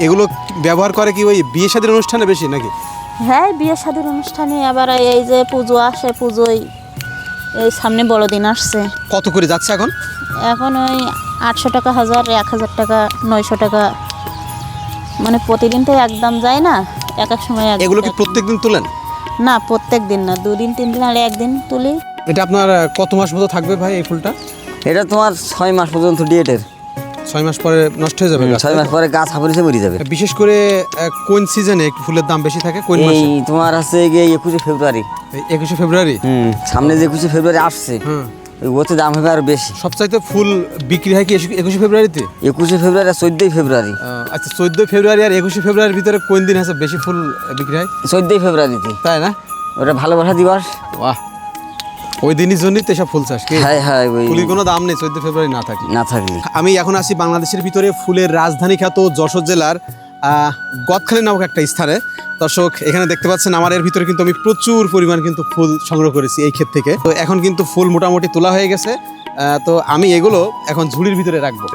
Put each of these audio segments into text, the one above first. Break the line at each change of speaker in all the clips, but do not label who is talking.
এগুলো ব্যবহার করে কি ওই বিয়ে শাদীর অনুষ্ঠানে বেশি নাকি?
হ্যাঁ, বিয়ে শাদীর অনুষ্ঠানে, আবার এই যে পুজো আসে, পুজোয় এই সামনে বড়দিন আসছে।
কত করে যাচ্ছে এখন?
এখন ওই 800 টাকা, 1000, 1000 টাকা, 900 টাকা, মানে প্রতিদিন তো একদম যায় না, এক এক সময়
এগুলো কি প্রত্যেকদিন তোলেন?
না, প্রত্যেক দিন না, 2 দিন 3 দিন আর একদিন তুলি।
এটা আপনার কত মাস মতো থাকবে ভাই এই ফুলটা?
এটা তোমার 6 মাস পর্যন্ত ডেটের।
6 মাস পরে নষ্ট হয়ে যাবে গাছ?
6 মাস পরে গাছ হাফারিসে মরে যাবে।
বিশেষ করে কোন সিজনে ফুলের দাম বেশি থাকে? কোন মাসে?
এই তোমার আছে 21 ফেব্রুয়ারি।
21 ফেব্রুয়ারি?
সামনে যে 21 ফেব্রুয়ারি আসছে, ওতে দাম হবে আর বেশি।
সবচাইতে ফুল বিক্রি হয় কি 21 ফেব্রুয়ারিতে?
21 ফেব্রুয়ারি আর 14 ফেব্রুয়ারি।
আচ্ছা, 14 ফেব্রুয়ারি আর 21 ফেব্রুয়ারির ভিতরে কোন দিন আছে বেশি ফুল বিক্রি হয়?
14 ফেব্রুয়ারিতে।
তাই না?
ওটা ভালোবাসা দিবস।
বাহ, ওই দিনই জন্যই তো এসব ফুল চাষ কি?
হ্যাঁ হ্যাঁ, ওই
ফুলের কোনো দাম নেই 14 ফেব্রুয়ারি না থাকলে।
না থাকলে।
আমি এখন আছি বাংলাদেশের ভিতরে ফুলের রাজধানী খ্যাত যশোর জেলার গদখালি নামক একটা স্থানে। দর্শক, এখানে দেখতে পাচ্ছেন আমার এর ভিতরে কিন্তু আমি প্রচুর পরিমাণ কিন্তু ফুল সংগ্রহ করেছি এই ক্ষেত থেকে। তো এখন কিন্তু ফুল মোটামুটি তোলা হয়ে গেছে। তো আমি এগুলো এখন ঝুড়ির ভিতরে রাখবো।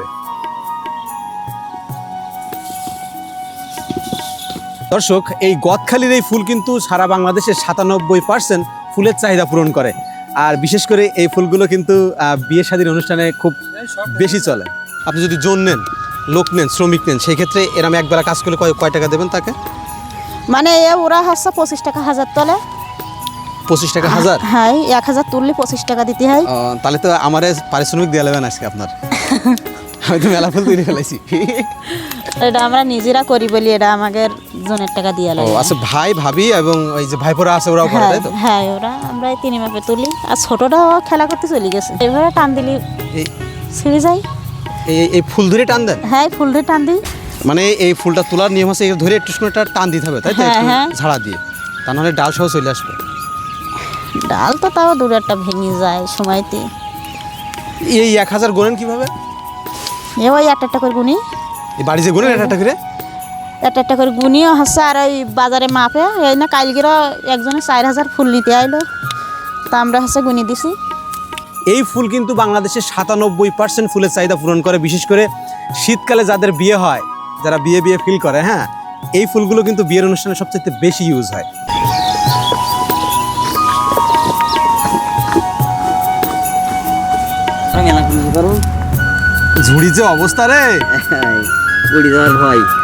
দর্শক, এই গদখালির এই ফুল কিন্তু সারা বাংলাদেশের 97% ফুলের চাহিদা পূরণ করে। আর বিশেষ করে এই ফুলগুলো কিন্তু বিয়ে শাদীর অনুষ্ঠানে খুব বেশি চলে। আপনি যদি জন নেন, লোক নেন, শ্রমিক নেন, সেই ক্ষেত্রে এরকম একবেলা কাজ করলে কয় টাকা দেবেন তাকে?
মানে ওরা হচ্ছে 25 টাকা 1000 তোলে।
25 টাকা 1000?
হ্যাঁ, 1000 তুললে 25 টাকা দিতে হয়।
তাহলে তো আমার পারিশ্রমিক দিয়ে নেবেন আজকে আপনার। আমি তো মেলা ফুল তৈরি ফেলাইছি।
এটা আমরা নিজেরা করি বলি, এটা আমাদের জনের টাকা দিয়ে লাগে।
আচ্ছা, ভাই ভাবি এবং ওই যে ভাইপোরা আছে ওরাও করে, তাই তো?
হ্যাঁ, ওরা আমরা 3 মাপে তুলি। আর ছোটটাও খেলা করতে চলে গেছে, এইভাবে টান দিলি ছিঁড়ে যায়।
এই ফুল ধরে টান দেন?
হ্যাঁ, ফুল দিয়ে টান দিই।
মানে এই ফুলটা তোলার নিয়ম আছে, ধরে একটু সময় টান দিতে হবে, তাই তো?
হ্যাঁ, হ্যাঁ।
ঝাড়া দিয়ে, তা নাহলে ডাল সহ চলে আসবে।
ডাল তো তাও দূরে একটা ভেঙে যায় সময়তে।
এই 1000 গোনেন কিভাবে?
ওই একটা করে গুনি,
এই বাড়ি যে গোনেন একটা করে?
একটা করে গুনিও হচ্ছে। আর ওই বাজারে মাপে, এই না কালকেরও একজনে 4000 ফুল নিতে আইলো, তা আমরা হচ্ছে গুনি দিছি।
এই ফুল কিন্তু বাংলাদেশের 97% ফুলের চাহিদা পূরণ করে। বিশেষ করে শীতকালে যাদের বিয়ে হয়, যারা বিয়ে ফিল করে, হ্যাঁ, এই ফুলগুলো কিন্তু বিয়ের অনুষ্ঠানে সবচেয়ে বেশি ইউজ হয়।
মেলা কিছু করো,
ঝুড়ি যে অবস্থা রে,
উড়ি যাওয়ার ভয়।